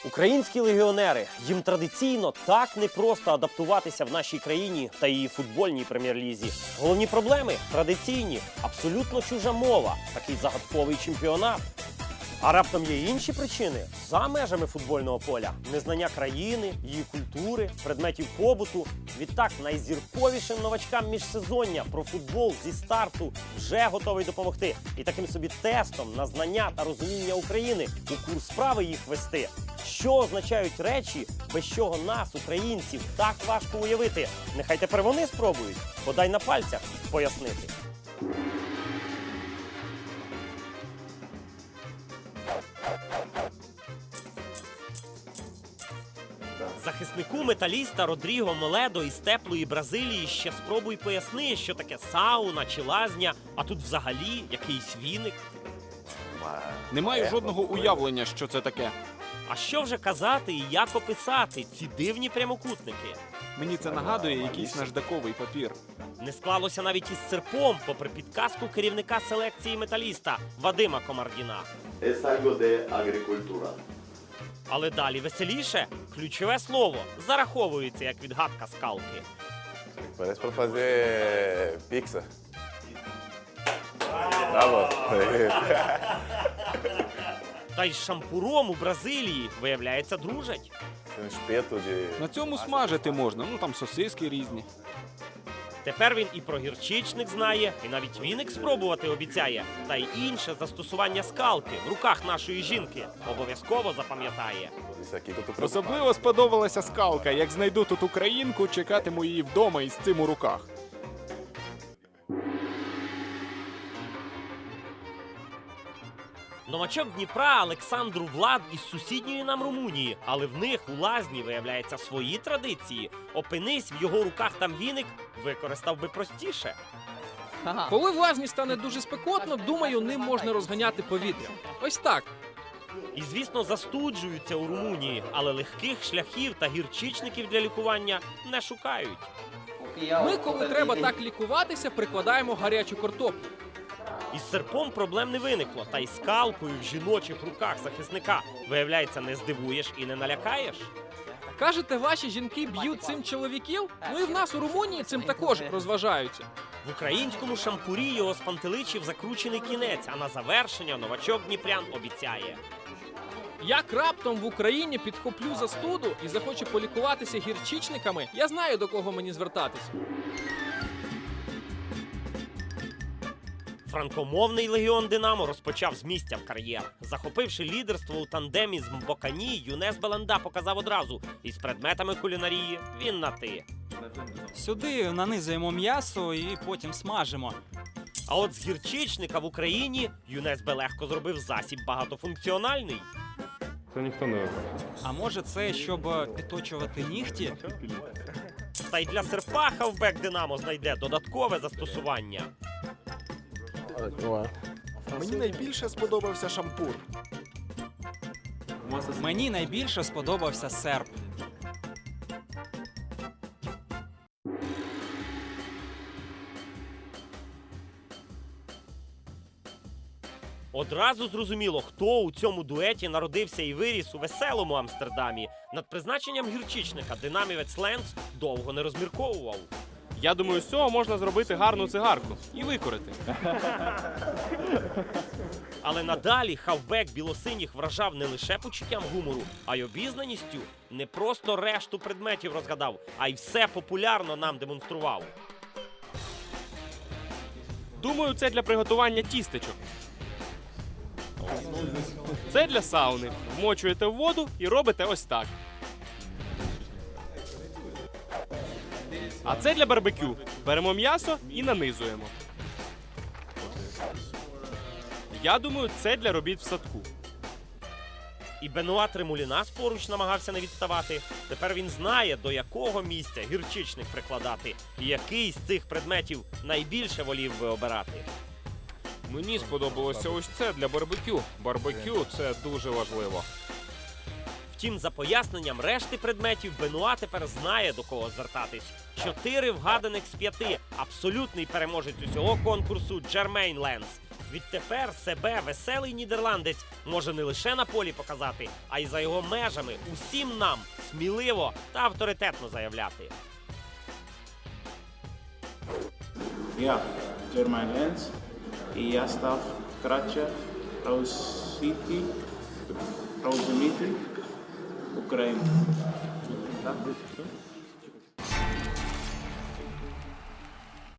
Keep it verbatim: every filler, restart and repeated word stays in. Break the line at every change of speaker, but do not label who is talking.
Українські легіонери. Їм традиційно так непросто адаптуватися в нашій країні та її футбольній прем'єр-лізі. Головні проблеми – традиційні, абсолютно чужа мова, такий загадковий чемпіонат. А раптом є інші причини за межами футбольного поля. Незнання країни, її культури, предметів побуту. Відтак найзірковішим новачкам міжсезоння про футбол зі старту вже готовий допомогти. І таким собі тестом на знання та розуміння України у курс справи їх вести. Що означають речі, без чого нас, українців, так важко уявити? Нехай тепер вони спробують, бодай на пальцях пояснити. Захиснику металіста Родріго Моледо із теплої Бразилії ще спробуй поясни, що таке сауна чи лазня, а тут взагалі якийсь віник.
Не маю жодного уявлення, що це таке.
А що вже казати і як описати ці дивні прямокутники?
Мені це нагадує якийсь наждаковий папір.
Не склалося навіть із серпом, попри підказку керівника селекції металіста Вадима Комардіна.
Es algo de agricultura.
Але далі веселіше. Ключове слово зараховується як відгадка скалки.
Parece para fazer pizza. Bravo.
Та й з шампуром у Бразилії, виявляється, дружать.
Tem um espeto de...
На цьому смажити можна, ну там сосиски різні.
Тепер він і про гірчичник знає, і навіть віник спробувати обіцяє. Та й інше застосування скалки в руках нашої жінки обов'язково запам'ятає.
Isso aqui que eu tô preocupado.
Особливо сподобалася скалка. Як знайду тут українку, чекатиму її вдома із цим у руках.
Новачок Дніпра Олександру Влад із сусідньої нам Румунії, але в них у лазні, виявляється, свої традиції. Опинись в його руках там віник, використав би простіше.
Коли в лазні стане дуже спекотно, думаю, ним можна розганяти повітря. Ось так.
І, звісно, застуджуються у Румунії, але легких шляхів та гірчичників для лікування не шукають.
Ми, коли треба так лікуватися, прикладаємо гарячу картоплю.
Із серпом проблем не виникло, та й скалкою в жіночих руках захисника, виявляється, не здивуєш і не налякаєш.
Кажете, ваші жінки б'ють цим чоловіків? Ну і в нас у Румунії цим також розважаються.
В українському шампурі його спантеличив закручений кінець, а на завершення новачок дніпрян обіцяє.
Як раптом в Україні підхоплю застуду і захочу полікуватися гірчичниками, я знаю, до кого мені звертатися.
Франкомовний легіон «Динамо» розпочав з місця в кар'єр. Захопивши лідерство у тандемі з Мбокані, Юнес Беланда показав одразу. Із предметами кулінарії він на «ти».
Сюди нанизуємо м'ясо і потім смажимо.
А от з гірчичника в Україні Юнес Бе легко зробив засіб багатофункціональний.
Це ніхто не вибрав.
А може це, щоб підточувати нігті?
Та й для серпа хавбек «Динамо» знайде додаткове застосування.
Мені найбільше сподобався шампур.
Мені найбільше сподобався серп.
Одразу зрозуміло, хто у цьому дуеті народився і виріс у веселому Амстердамі. Над призначенням гірчичника динамівець Ленц довго не розмірковував.
Я думаю, з цього можна зробити гарну цигарку і викурити.
Але надалі хавбек білосиніх вражав не лише почуттям гумору, а й обізнаністю. Не просто решту предметів розгадав, а й все популярно нам демонстрував.
Думаю, це для приготування тістечок. Це для сауни. Вмочуєте в воду і робите ось так. А це для барбекю. Беремо м'ясо і нанизуємо. Я думаю, це для робіт в садку.
І Бенуа Тремулінас поруч намагався не відставати. Тепер він знає, до якого місця гірчичник прикладати. І який з цих предметів найбільше волів би обирати.
Мені сподобалося ось це для барбекю. Барбекю – це дуже важливо.
Втім, за поясненням решти предметів Бенуа тепер знає, до кого звертатись. Чотири вгаданих з п'яти. Абсолютний переможець усього конкурсу Джермейн Ленс. Відтепер себе веселий нідерландець може не лише на полі показати, а й за його межами усім нам сміливо та авторитетно заявляти.
Ja, Germain Lens і я став краще розуміти, розуміти Україну. Так?